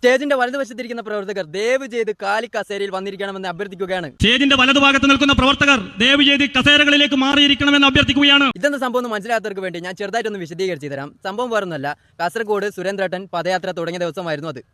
സ്റ്റേജിന്റെ വലതുവശത്തിരിക്കുന്ന പ്രവർത്തകർ ദയവ് ചെയ്ത് കാലി കസേരയിൽ വന്നിരിക്കണമെന്ന് അഭ്യർത്ഥിക്കുകയാണ്. സ്റ്റേജിന്റെ വലതുഭാഗത്ത് നിൽക്കുന്ന പ്രവർത്തകർ ദയവ് ചെയ്ത് കസേരകളിലേക്ക് മാറിയിരിക്കണമെന്ന് അഭ്യർത്ഥിക്കുകയാണ്. ഇതെന്താ സംഭവം എന്ന് മനസ്സിലാത്തവർക്ക് വേണ്ടി ഞാൻ ചെറുതായിട്ടൊന്ന് വിശദീകരിച്ചു തരാം. സംഭവം വേറൊന്നുമല്ല, കാസർഗോഡ് സുരേന്ദ്രേട്ടൻ പദയാത്ര തുടങ്ങിയ ദിവസമായിരുന്നു അത്.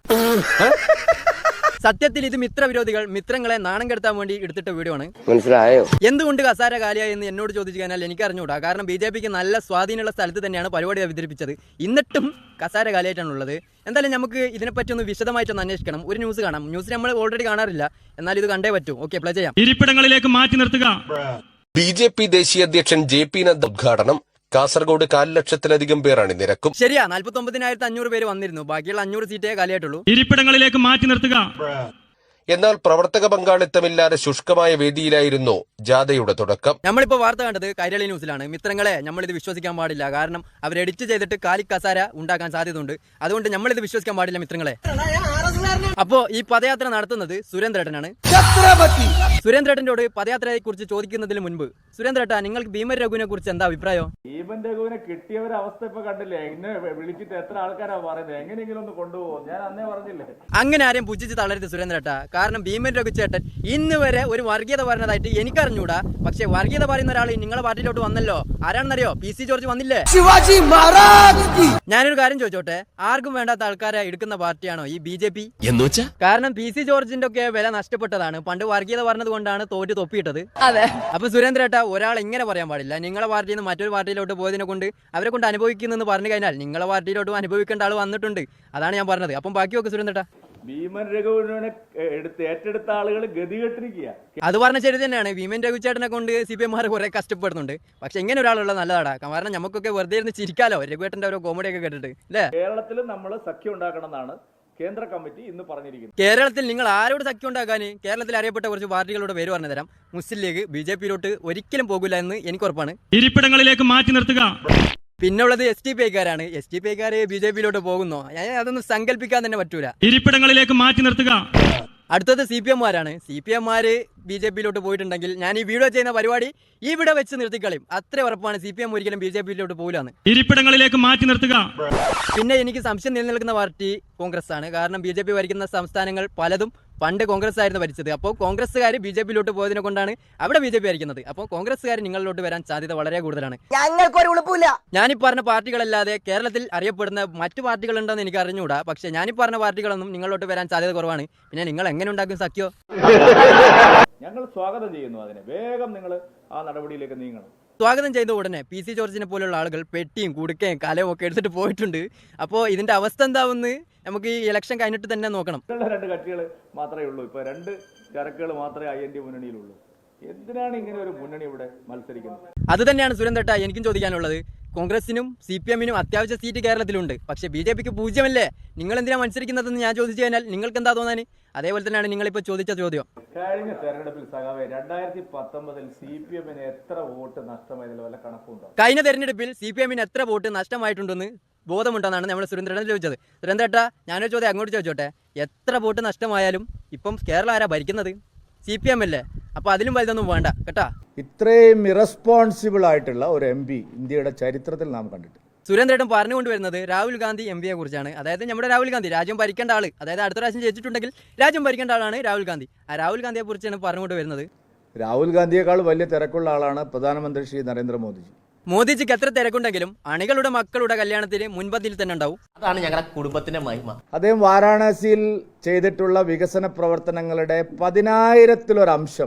സത്യത്തിൽ ഇത് മിത്രവിരോധികൾ മിത്രങ്ങളെ നാണം കെടുത്താൻ വേണ്ടി എടുത്തിട്ട വീഡിയോ ആണ്. മനസ്സിലായോ? എന്തുകൊണ്ട് കസാര കാലിയായി എന്ന് എന്നോട് ചോദിച്ചു കഴിഞ്ഞാൽ എനിക്ക് അറിഞ്ഞൂടാ. കാരണം BJPക്ക് നല്ല സ്വാധീനമുള്ള സ്ഥലത്ത് തന്നെയാണ് പരിപാടി അവതരിപ്പിച്ചത്. എന്നിട്ടും കസാര കാലിയായിട്ടാണുള്ളത്. എന്തായാലും നമുക്ക് ഇതിനെപ്പറ്റി ഒന്ന് വിശദമായിട്ടൊന്ന് അന്വേഷിക്കണം. ഒരു ന്യൂസ് കാണാം. ന്യൂസ് നമ്മൾ ഓൾറെഡി കാണാറില്ല, എന്നാൽ ഇത് കണ്ടേ പറ്റൂ. ഓക്കെ, പ്ലേ ചെയ്യാം. ഇരിപ്പിടങ്ങളിലേക്ക് മാറ്റി നിർത്തുക. BJP ദേശീയ അധ്യക്ഷൻ JP നദ്ദ ഉദ്ഘാടനം. കാസർഗോഡ് 1,00,000-ലധികം പേർ അണിനിരക്കും. ശരിയാ, 49,500 പേര് വന്നിരുന്നു. ബാക്കിയുള്ള 500 സീറ്റേ കാലിയായിട്ടുള്ളൂ. ഇരിപ്പിടങ്ങളിലേക്ക് മാറ്റി നിർത്തുക. എന്നാൽ പ്രവർത്തക പങ്കാളിത്തമില്ലാതെ ശുഷ്കമായ വേദിയിലായിരുന്നു ജാഥയുടെ തുടക്കം. നമ്മളിപ്പോ വാർത്ത കണ്ടത് കൈരളി ന്യൂസിലാണ്. മിത്രങ്ങളെ, നമ്മളിത് വിശ്വസിക്കാൻ പാടില്ല. കാരണം അവർ എഡിറ്റ് ചെയ്തിട്ട് കാലി കസാര ഉണ്ടാക്കാൻ സാധ്യതയുണ്ട്. അതുകൊണ്ട് നമ്മളിത് വിശ്വസിക്കാൻ പാടില്ല മിത്രങ്ങളെ. അപ്പോ ഈ പദയാത്ര നടത്തുന്നത് സുരേന്ദ്രേട്ടനാണ്. സുരേന്ദ്രേട്ടനോട് പദയാത്രയെ കുറിച്ച് ചോദിക്കുന്നതിന് മുൻപ്, സുരേന്ദ്രേട്ട, നിങ്ങൾക്ക് ഭീമൻ രഘുവിനെ കുറിച്ച് എന്താ അഭിപ്രായം? ഭീമൻ രഘുവിനെ കിട്ടിയവരെ അവസ്ഥ ഇപ്പൊ കണ്ടില്ലേ? എന്നെ വിളിച്ചിട്ട് എത്ര ആൾക്കാരാ പറയുന്നത് എങ്ങനെയെങ്കിലും ഒന്ന് കൊണ്ടുപോകും. ഞാൻ അന്നേ പറഞ്ഞില്ലേ, അങ്ങനെ ആരെയും പുച്ഛിച്ച് തളരുത് സുരേന്ദ്രേട്ട. കാരണം ഭീമൻ രഘു ചേട്ടൻ ഇന്ന് വരെ ഒരു വർഗീയത പറഞ്ഞതായിട്ട് എനിക്കറിഞ്ഞൂടാ. പക്ഷെ വർഗീയത പറയുന്ന ഒരാൾ നിങ്ങളെ പാർട്ടിയിലോട്ട് വന്നല്ലോ. ആരാണെന്നറിയോ? PC ജോർജ് വന്നില്ലേ? ഞാനൊരു കാര്യം ചോദിച്ചോട്ടെ, ആർക്കും വേണ്ടാത്ത ആൾക്കാരെ എടുക്കുന്ന പാർട്ടിയാണോ ഈ BJP? കാരണം PC ജോർജിന്റെ ഒക്കെ വില നഷ്ടപ്പെട്ടതാണ്. പണ്ട് വർഗീയത പറഞ്ഞത് കൊണ്ടാണ് തോറ്റ് തൊപ്പിയിട്ടത്. അതെ. അപ്പൊ സുരേന്ദ്രേട്ട, ഒരാൾ ഇങ്ങനെ പറയാൻ പാടില്ല. നിങ്ങളെ പാർട്ടിയിൽ നിന്ന് മറ്റൊരു പാർട്ടിയിലോട്ട് പോയതിനെ കൊണ്ട് അവരെ കൊണ്ട് അനുഭവിക്കുന്നെന്ന് പറഞ്ഞു കഴിഞ്ഞാൽ നിങ്ങളെ പാർട്ടിയിലോട്ടും അനുഭവിക്കേണ്ട ആൾ വന്നിട്ടുണ്ട്. അതാണ് ഞാൻ പറഞ്ഞത്. അപ്പം ബാക്കിയൊക്കെ സുരേന്ദ്രേട്ട, ഭീമൻ രഘുവിനെ ഏറ്റെടുത്ത ആളുകൾ ഗതികെട്ടിരിക്കുക. അത് പറഞ്ഞ ശരി തന്നെയാണ്. ഭീമൻ രഘുചേട്ടനെ കൊണ്ട് CPM കുറെ കഷ്ടപ്പെടുന്നുണ്ട്. പക്ഷെ ഇങ്ങനെ ഒരാളുള്ള നല്ലതാടാ. കാരണം നമുക്കൊക്കെ വെറുതെ ഇരുന്ന് ചിരിക്കാലോ രഘുവേട്ടന്റെ ഓരോ കോമഡിയൊക്കെ കേട്ടിട്ട്, അല്ലേ? കേരളത്തിൽ നമ്മൾ സഖ്യം ഉണ്ടാക്കണം എന്നാണ് കേന്ദ്ര കമ്മിറ്റി ഇന്ന് പറഞ്ഞിരിക്കുന്നത്. കേരളത്തിൽ നിങ്ങൾ ആരോട് സഖ്യം ഉണ്ടാക്കാൻ? കേരളത്തിൽ അറിയപ്പെട്ട കുറച്ച് പാർട്ടികളുടെ പേര് പറഞ്ഞു തരാം. മുസ്ലിം ലീഗ് BJPയിലോട്ട് ഒരിക്കലും പോകില്ല എന്ന് എനിക്ക് ഉറപ്പാണ്. ഇരിപ്പിടങ്ങളിലേക്ക് മാറ്റി നിർത്തുക. പിന്നുള്ളത് STPക്കാരാണ്. STPക്കാര് BJPയിലോട്ട് പോകുന്നോ? അതൊന്നും സങ്കല്പിക്കാൻ തന്നെ പറ്റൂല. ഇരിപ്പിടങ്ങളിലേക്ക് മാറ്റി നിർത്തുക. അടുത്തത് CPMമാരാണ്. CPMമാര് BJPയിലോട്ട് പോയിട്ടുണ്ടെങ്കിൽ ഞാൻ ഈ വീഡിയോ ചെയ്യുന്ന പരിപാടി ഇവിടെ വെച്ച് നിർത്തിക്കളയും. അത്ര ഉറപ്പാണ്. CPM ഒരിക്കലും BJPയിലോട്ട് പോകില്ലാന്ന്. ഇരിപ്പിടങ്ങളിലേക്ക് മാറ്റി നിർത്തുക. പിന്നെ എനിക്ക് സംശയം നിലനിൽക്കുന്ന പാർട്ടി കോൺഗ്രസ് ആണ്. കാരണം BJP ഭരിക്കുന്ന സംസ്ഥാനങ്ങൾ പലതും പണ്ട് കോൺഗ്രസ് ആയിരുന്നു ഭരിച്ചത്. അപ്പോൾ കോൺഗ്രസ്സുകാർ BJPയിലോട്ട് പോയതിനെ കൊണ്ടാണ് അവിടെ BJP ഭരിക്കുന്നത്. അപ്പോൾ കോൺഗ്രസ്സുകാർ നിങ്ങളിലോട്ട് വരാൻ സാധ്യത വളരെ കൂടുതലാണ്. ഞാനീ പറഞ്ഞ പാർട്ടികളല്ലാതെ കേരളത്തിൽ അറിയപ്പെടുന്ന മറ്റു പാർട്ടികളുണ്ടെന്ന് എനിക്ക് അറിഞ്ഞുകൂടാ. പക്ഷെ ഞാനീ പറഞ്ഞ പാർട്ടികളൊന്നും നിങ്ങളിലോട്ട് വരാൻ സാധ്യത കുറവാണ്. പിന്നെ നിങ്ങൾ എങ്ങനെ ഉണ്ടാക്കും സഖ്യോ? ഞങ്ങൾ സ്വാഗതം ചെയ്യുന്നു അതിനെ. വേഗം നിങ്ങൾ ആ നടപടിയിലേക്ക് നീങ്ങണം. സ്വാഗതം ചെയ്ത ഉടനെ PC ജോർജിനെ പോലുള്ള ആളുകൾ പെട്ടിയും കുടുക്കയും കലവും ഒക്കെ എടുത്തിട്ട് പോയിട്ടുണ്ട്. അപ്പോൾ ഇതിന്റെ അവസ്ഥ എന്താവുമെന്ന് നമുക്ക് ഈ ഇലക്ഷൻ കഴിഞ്ഞിട്ട് തന്നെ നോക്കണം. 2 കക്ഷികൾ മാത്രമേ ഉള്ളൂ. ഇപ്പൊ 2 ചരക്കുകൾ മാത്രമേ IND മുന്നണിയിലുള്ളൂ. എന്തിനാണ് ഇങ്ങനെ ഒരു മുന്നണി ഇവിടെ മത്സരിക്കുന്നത്? അത് തന്നെയാണ് സുരേന്ദ്രേട്ട എനിക്കും ചോദിക്കാനുള്ളത്. കോൺഗ്രസിനും CPMനും അത്യാവശ്യ സീറ്റ് കേരളത്തിലുണ്ട്. പക്ഷെ BJPക്ക് 0 നിങ്ങൾ എന്തിനാ മത്സരിക്കുന്നതെന്ന് ഞാൻ ചോദിച്ചു കഴിഞ്ഞാൽ നിങ്ങൾക്ക് എന്താ തോന്നാൻ? അതേപോലെ തന്നെയാണ് നിങ്ങളിപ്പോൾ ചോദിച്ച ചോദ്യം. കഴിഞ്ഞ തെരഞ്ഞെടുപ്പിൽ സഖാവേ 2019 CPMന് എത്ര വോട്ട് നഷ്ടമായതിൽ വല്ല കണക്കുണ്ടോ? കഴിഞ്ഞ തെരഞ്ഞെടുപ്പിൽ CPMന് എത്ര വോട്ട് നഷ്ടമായിട്ടുണ്ടെന്ന് ബോധമുണ്ടെന്നാണ് നമ്മൾ സുരേന്ദ്രേട്ടൻ ചോദിച്ചത്. സുരേന്ദ്രേട്ട, ഞാനൊരു ചോദ്യം അങ്ങോട്ട് ചോദിച്ചോട്ടെ. എത്ര വോട്ട് നഷ്ടമായാലും ഇപ്പം കേരളം ആരാ ഭരിക്കുന്നത്? CPM അല്ലേ? അപ്പൊ അതിലും വലുതൊന്നും വേണ്ട കേട്ടാ. ഇത്രയും ഇറസ്പോൺസിബിൾ ആയിട്ടുള്ള ഒരു MP ഇന്ത്യയുടെ ചരിത്രത്തിൽ നാം കണ്ടിട്ട്. സുരേന്ദ്രേട്ടൻ പറഞ്ഞുകൊണ്ടുവരുന്നത് രാഹുൽ ഗാന്ധി MPയെ കുറിച്ചാണ്. അതായത് നമ്മുടെ രാഹുൽ ഗാന്ധി രാജ്യം ഭരിക്കേണ്ട ആള്. അതായത് അടുത്ത പ്രാവശ്യം ജയിച്ചിട്ടുണ്ടെങ്കിൽ രാജ്യം ഭരിക്കേണ്ട ആളാണ് രാഹുൽ ഗാന്ധി. ആ രാഹുൽ ഗാന്ധിയെ കുറിച്ചാണ് പറഞ്ഞുകൊണ്ട് വരുന്നത്. രാഹുൽ ഗാന്ധിയേക്കാൾ വലിയ തിരക്കുള്ള ആളാണ് പ്രധാനമന്ത്രി ശ്രീ നരേന്ദ്രമോദിജി. മോദിജിക്ക് എത്ര തിരക്കുണ്ടെങ്കിലും അണികളുടെ മക്കളുടെ കല്യാണത്തിന് മുൻപന്തിയിൽ തന്നെ ഉണ്ടാവും. അതാണ് ഞങ്ങളുടെ കുടുംബത്തിന്റെ മഹിമ. അദ്ദേഹം വാരാണസിയിൽ ചെയ്തിട്ടുള്ള വികസന പ്രവർത്തനങ്ങളുടെ 10,000-ലൊരംശം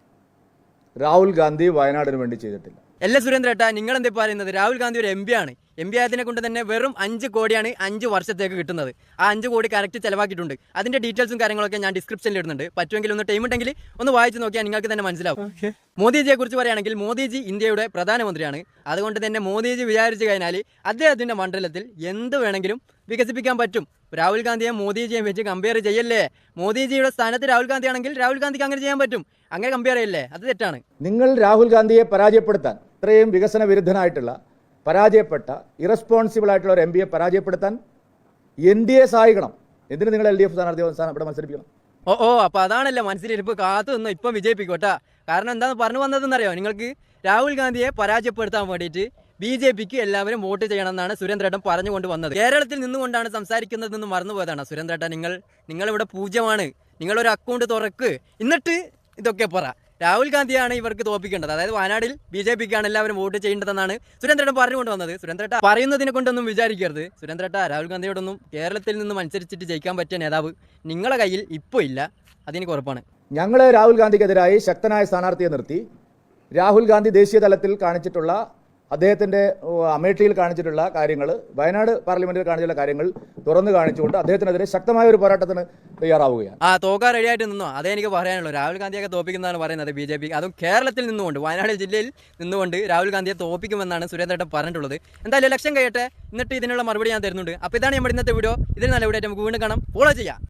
രാഹുൽ ഗാന്ധി വയനാടിന് വേണ്ടി ചെയ്തിട്ടില്ല. അല്ല സുരേന്ദ്രേട്ട, നിങ്ങൾ എന്താ പറയുന്നത്? രാഹുൽ ഗാന്ധി ഒരു MP ആണ്. MP ആയതിനെ കൊണ്ട് തന്നെ വെറും 5 കോടിയാണ് 5 വർഷത്തേക്ക് കിട്ടുന്നത്. ആ 5 കോടി കറക്റ്റ് ചെലവാക്കിയിട്ടുണ്ട്. അതിന്റെ ഡീറ്റെയിൽസും കാര്യങ്ങളൊക്കെ ഞാൻ ഡിസ്ക്രിപ്ഷനിൽ ഇടുന്നുണ്ട്. പറ്റുമെങ്കിൽ ഒന്ന് ടൈം ഉണ്ടെങ്കിൽ ഒന്ന് വായിച്ച് നോക്കിയാൽ നിങ്ങൾക്ക് തന്നെ മനസ്സിലാവും. മോദിജിയെ കുറിച്ച് പറയുകയാണെങ്കിൽ മോദിജി ഇന്ത്യയുടെ പ്രധാനമന്ത്രിയാണ്. അതുകൊണ്ട് തന്നെ മോദിജി വിചാരിച്ചു കഴിഞ്ഞാൽ അദ്ദേഹത്തിന്റെ മണ്ഡലത്തിൽ എന്ത് വേണമെങ്കിലും വികസിപ്പിക്കാൻ പറ്റും. രാഹുൽ ഗാന്ധിയെ മോദിജിയെയും വെച്ച് കമ്പയർ ചെയ്യല്ലേ. മോദിജിയുടെ സ്ഥാനത്ത് രാഹുൽ ഗാന്ധി ആണെങ്കിൽ രാഹുൽ ഗാന്ധിക്ക് അങ്ങനെ ചെയ്യാൻ പറ്റും. അങ്ങനെ കമ്പയർ ചെയ്യല്ലേ? അത് തെറ്റാണ്. നിങ്ങൾ രാഹുൽ ഗാന്ധിയെ പരാജയപ്പെടുത്താൻ, ഇത്രയും വികസന വിരുദ്ധനായിട്ടുള്ള പരാജയപ്പെട്ട ഇറസ്പോൺസിബിൾ ആയിട്ടുള്ള ഒരു MPയെ പരാജയപ്പെടുത്താൻ NDA സഹായിക്കണം. എന്തിന് നിങ്ങൾ LDF സ്ഥാനാർത്ഥി ഇവിടെ മത്സരിപ്പിക്കണം? ഓ അപ്പൊ അതാണല്ലോ മനസ്സിലിരിപ്പ്. കാത്തു നിന്ന് ഇപ്പം വിജയിപ്പിക്കോട്ടാ. കാരണം എന്താന്ന് പറഞ്ഞു വന്നതെന്നറിയോ? നിങ്ങൾക്ക് രാഹുൽ ഗാന്ധിയെ പരാജയപ്പെടുത്താൻ വേണ്ടിയിട്ട് BJPക്ക് എല്ലാവരും വോട്ട് ചെയ്യണമെന്നാണ് സുരേന്ദ്രേട്ടൻ പറഞ്ഞുകൊണ്ട് വന്നത്. കേരളത്തിൽ നിന്നുകൊണ്ടാണ് സംസാരിക്കുന്നതെന്ന് മറന്നുപോയതാണ് സുരേന്ദ്രേട്ടൻ. നിങ്ങളിവിടെ പൂജ്യമാണ്, നിങ്ങളൊരു അക്കൗണ്ട് തുറക്ക്, എന്നിട്ട് ഇതൊക്കെ പറ. രാഹുൽ ഗാന്ധിയാണ് ഇവർക്ക് തോപ്പിക്കേണ്ടത്, അതായത് വയനാട്ടിൽ BJPക്കാണ് എല്ലാവരും വോട്ട് ചെയ്യേണ്ടതെന്നാണ് സുരേന്ദ്രേട്ടൻ പറഞ്ഞുകൊണ്ട് വന്നത്. സുരേന്ദ്രേട്ട പറയുന്നതിനെ കൊണ്ടൊന്നും വിചാരിക്കരുത്. സുരേന്ദ്രേട്ട, രാഹുൽ ഗാന്ധിയോടൊന്നും കേരളത്തിൽ നിന്നും മത്സരിച്ചിട്ട് ജയിക്കാൻ പറ്റിയ നേതാവ് നിങ്ങളെ കയ്യിൽ ഇപ്പോൾ ഇല്ല, അതെനിക്ക് ഉറപ്പാണ്. ഞങ്ങൾ രാഹുൽ ഗാന്ധിക്കെതിരായി ശക്തനായ സ്ഥാനാർത്ഥിയെ നിർത്തി രാഹുൽ ഗാന്ധി ദേശീയ തലത്തിൽ കാണിച്ചിട്ടുള്ള അദ്ദേഹത്തിൻ്റെ അമേഠിയിൽ കാണിച്ചിട്ടുള്ള കാര്യങ്ങൾ, വയനാട് പാർലമെന്റിൽ കാണിച്ചിട്ടുള്ള കാര്യങ്ങൾ തുറന്നു കാണിച്ചുകൊണ്ട് അദ്ദേഹത്തിനെതിരെ ശക്തമായ ഒരു പോരാട്ടത്തിന് തയ്യാറാവുകയാണ്. തോക്കാൻ റെഡിയായിട്ട് നിന്നോ, അതേ എനിക്ക് പറയാനുള്ളൂ. രാഹുൽ ഗാന്ധിയൊക്കെ തോപ്പിക്കുന്നതാണ് പറയുന്നത് BJP, അതും കേരളത്തിൽ നിന്നുകൊണ്ട്, വയനാട് ജില്ലയിൽ നിന്നുകൊണ്ട് രാഹുൽ ഗാന്ധിയെ തോപ്പിക്കുമെന്നാണ് സുരേന്ദ്രേട്ടൻ പറഞ്ഞിട്ടുള്ളത്. എന്തായാലും ഇലക്ഷൻ കഴിയട്ടെ, എന്നിട്ട് ഇതിനുള്ള മറുപടി ഞാൻ തരുന്നുണ്ട്. അപ്പോൾ ഇതാണ് നമ്മുടെ ഇന്നത്തെ വീഡിയോ. ഇതിൽ നല്ല വീഡിയോ നമുക്ക് വീണ്ടും കാണാം. ഫോളോ ചെയ്യാം.